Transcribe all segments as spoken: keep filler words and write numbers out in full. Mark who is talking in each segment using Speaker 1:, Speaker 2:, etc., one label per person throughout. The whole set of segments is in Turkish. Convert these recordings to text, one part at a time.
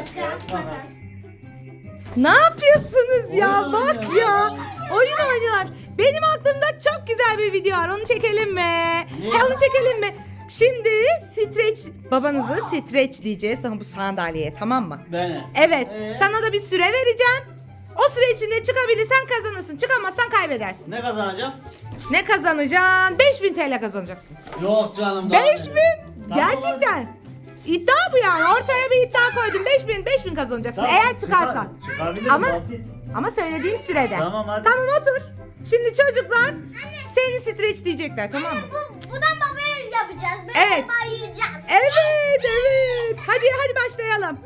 Speaker 1: kağıt, makas.
Speaker 2: Ne yapıyorsunuz ya?
Speaker 1: Oyun
Speaker 2: Bak
Speaker 1: oynuyor.
Speaker 2: ya. Oyun oynuyorlar. Benim aklımda çok güzel bir video var. Onu çekelim mi?
Speaker 1: Ne?
Speaker 2: Ha, onu çekelim mi? Şimdi streç babanızı streçleyeceğiz ama bu sandalyeye, tamam mı?
Speaker 1: Beni.
Speaker 2: Evet.
Speaker 1: Ee?
Speaker 2: Sana da bir süre vereceğim. O süre içinde çıkabilirsen kazanırsın. Çıkamazsan kaybedersin.
Speaker 1: Ne kazanacağım?
Speaker 2: Ne kazanacaksın? beş bin T L kazanacaksın.
Speaker 1: Yok canım. daha
Speaker 2: beş
Speaker 1: ne?
Speaker 2: bin?
Speaker 1: Tamam,
Speaker 2: Gerçekten. İddia bu yani. Ortaya bir iddia koydum. beş bin, beş bin kazanacaksın.
Speaker 1: Tamam,
Speaker 2: Eğer çıkarsan.
Speaker 1: çıkar- çıkabilirim,
Speaker 2: Ama
Speaker 1: basit.
Speaker 2: ama söylediğim sürede.
Speaker 1: Tamam, hadi.
Speaker 2: Tamam, otur. Şimdi çocuklar seni streçleyecekler, tamam mı?
Speaker 3: Bu, buradan babaya yapacağız. Ben
Speaker 2: Evet.
Speaker 3: baba yiyeceğiz.
Speaker 2: Evet, evet. Hadi hadi başlayalım.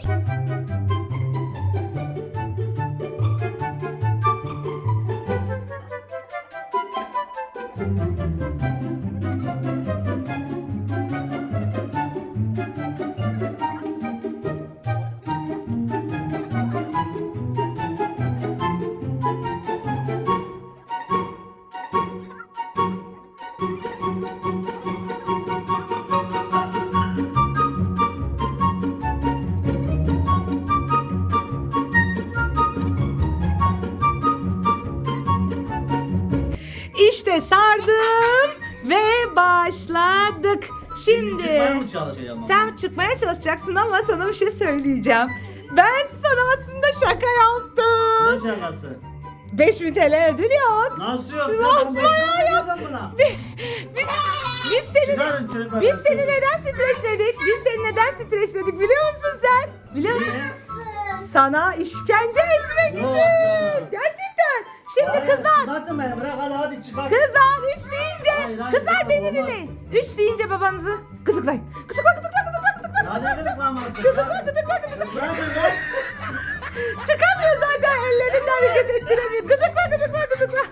Speaker 2: İşte sardım ve başladık. Şimdi
Speaker 1: Çıkmaya mı çalışacağım?
Speaker 2: sen çıkmaya çalışacaksın ama sana bir şey söyleyeceğim. Ben sana aslında şaka yaptım.
Speaker 1: Ne şakası?
Speaker 2: beş bin T L ödül yok.
Speaker 1: Nasıl yok?
Speaker 2: Nasıl
Speaker 1: Ben
Speaker 2: ya?
Speaker 1: yapmadım buna.
Speaker 2: Biz, biz seni
Speaker 1: Çıkarın çocuklar.
Speaker 2: biz seni neden streçledik? Biz seni neden streçledik biliyor musun sen? Biliyor musun? Sana işkence etmek
Speaker 1: Yok
Speaker 2: için.
Speaker 1: ya.
Speaker 2: Gerçekten. Şimdi
Speaker 1: Hayır,
Speaker 2: kızlar,
Speaker 1: Çıkartın beni, bırak hadi hadi çıkar.
Speaker 2: kızlar üç deyince,
Speaker 1: Hayır, hayır,
Speaker 2: kızlar
Speaker 1: çıkar,
Speaker 2: beni
Speaker 1: olmaz.
Speaker 2: dinleyin. Üç deyince babanızı gıdıklayın. Gıdıkla, gıdıkla, gıdıkla, gıdıkla,
Speaker 1: Ya ne
Speaker 2: gıdıkla.
Speaker 1: gıdıklaması?
Speaker 2: Gıdıkla, gıdıkla, gıdıkla.
Speaker 1: Bırakın lan.
Speaker 2: Çıkamıyor zaten, ellerinden hareket ettiremiyor. Gıdıkla, gıdıkla, gıdıkla.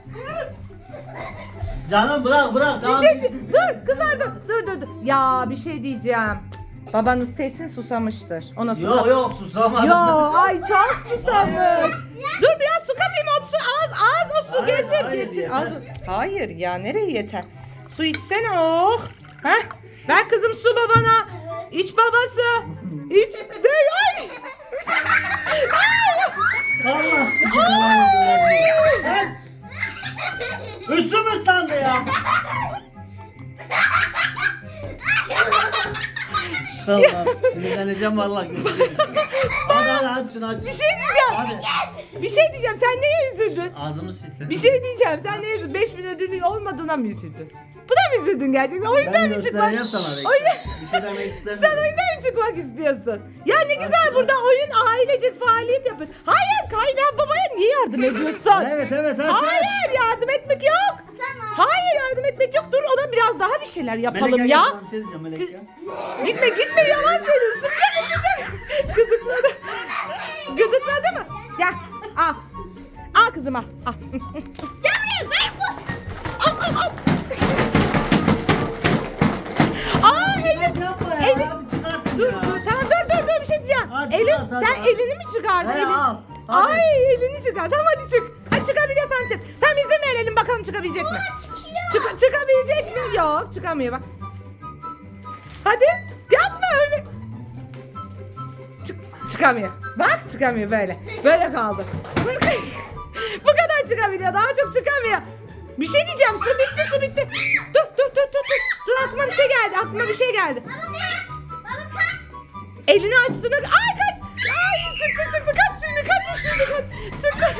Speaker 1: Canım bırak bırak.
Speaker 2: Bir
Speaker 1: Tamam.
Speaker 2: şey di- dur kızlar dur, dur, dur, dur. Ya bir şey diyeceğim. Babanız kesin susamıştır. Ona su
Speaker 1: Yok
Speaker 2: kat.
Speaker 1: yok susamadım.
Speaker 2: Yo, ay çok susamış. Dur biraz su katayım, o su az az o su
Speaker 1: Hayır,
Speaker 2: getir
Speaker 1: hayır,
Speaker 2: getir.
Speaker 1: yeter.
Speaker 2: Az, hayır ya, nereye yeter? Su içsene, oh. Heh, ver kızım su babana. İç babası. İç. De, ay.
Speaker 1: Allah sizi. Üstüm ıslandı ya. Allah sinirleneceğim vallahi. Hadi hadi aç şunu aç.
Speaker 2: Bir şey diyeceğim.
Speaker 1: Hadi.
Speaker 2: Bir şey diyeceğim. Sen neye üzüldün?
Speaker 1: Ağzımı sildim.
Speaker 2: Bir şey diyeceğim. Sen neye üzüldün? beş bin ödülün olmadığına mı üzüldün? Buna mı üzüldün gerçekten? O yüzden
Speaker 1: Ben
Speaker 2: mi çıkmak?
Speaker 1: göstereceğim sana.
Speaker 2: O yüzden...
Speaker 1: Bir şey demek
Speaker 2: Sen o
Speaker 1: istemiyorum.
Speaker 2: yüzden mi çıkmak istiyorsun? Ya ne güzel burada oyun, ailecek faaliyet yapıyoruz. Hayır, kaynağı babaya niye yardım ediyorsun?
Speaker 1: Evet evet evet.
Speaker 2: Hayır, yardım etmek yok. Hayır, yardım etmek yok. Dur, ona biraz daha bir şeyler yapalım
Speaker 1: Melek,
Speaker 2: ya.
Speaker 1: gel, sana bir şey diyeceğim, Melek
Speaker 2: Siz-
Speaker 1: ya.
Speaker 2: Gitme gitme, yalan söylüyorsun. Sıcak sıcak. Gıdıkladı. Gıdıkladı mı? Gel al. Al kızım al. Al. Al al al. Aa elin.
Speaker 1: Yapma ya.
Speaker 2: Elin.
Speaker 1: Hadi çıkartın
Speaker 2: Dur
Speaker 1: ya.
Speaker 2: dur tamam, dur dur dur bir şey diyeceğim.
Speaker 1: Hadi
Speaker 2: Elin,
Speaker 1: çıkart, hadi,
Speaker 2: sen
Speaker 1: hadi.
Speaker 2: elini mi çıkardın?
Speaker 1: He,
Speaker 2: Elin.
Speaker 1: al, hadi.
Speaker 2: Ay elini çıkar. Tamam hadi çık. Hadi çıkabiliyorsan çık. Tamam, izin verelim bakalım çıkabilecek mi? Çık, çıkabilecek mi? Yok, çıkamıyor bak. Hadi yapma öyle. Çık, çıkamıyor. Bak çıkamıyor böyle. Böyle kaldı. Bu kadar çıkabiliyor. Daha çok çıkamıyor. Bir şey diyeceğim. Su bitti, su bitti. Dur dur dur dur dur. Dur, aklıma bir şey geldi. Aklıma bir şey geldi. Elini açtığında... Ay kaç! Ay çıktı çıktı. Kaç şimdi, kaç şimdi, kaç. Çıktı.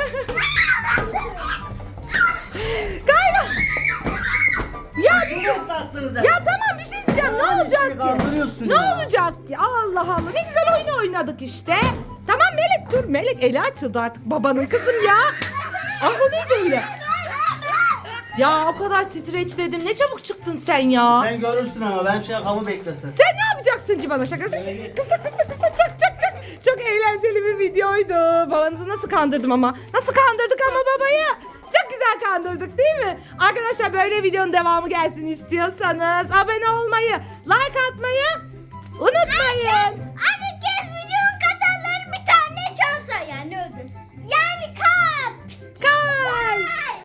Speaker 2: Kayla. Ya bir şey...
Speaker 1: Nasıl attınız ya?
Speaker 2: Ya tamam, bir şey diyeceğim. Ne
Speaker 1: Ay,
Speaker 2: olacak
Speaker 1: seni
Speaker 2: ki?
Speaker 1: kandırıyorsun
Speaker 2: Ne
Speaker 1: ya.
Speaker 2: olacak ki? Allah Allah. Ne güzel oyun oynadık işte. Tamam Melek, dur. Melek eli açıldı artık babanın, kızım ya. Ama o neydi öyle? Ya o kadar streçledim. Ne çabuk çıktın sen ya.
Speaker 1: Sen görürsün ama ben şey yakamı beklesin.
Speaker 2: Sen ne yapacaksın ki bana şakası? Kısa kısa kısa, çak çak çak. Çok eğlenceli bir videoydu. Babanızı nasıl kandırdım ama. Nasıl kandırdık ama babayı. Çok güzel kandırdık değil mi? Arkadaşlar, böyle videonun devamı gelsin istiyorsanız abone olmayı, like atmayı unutmayın.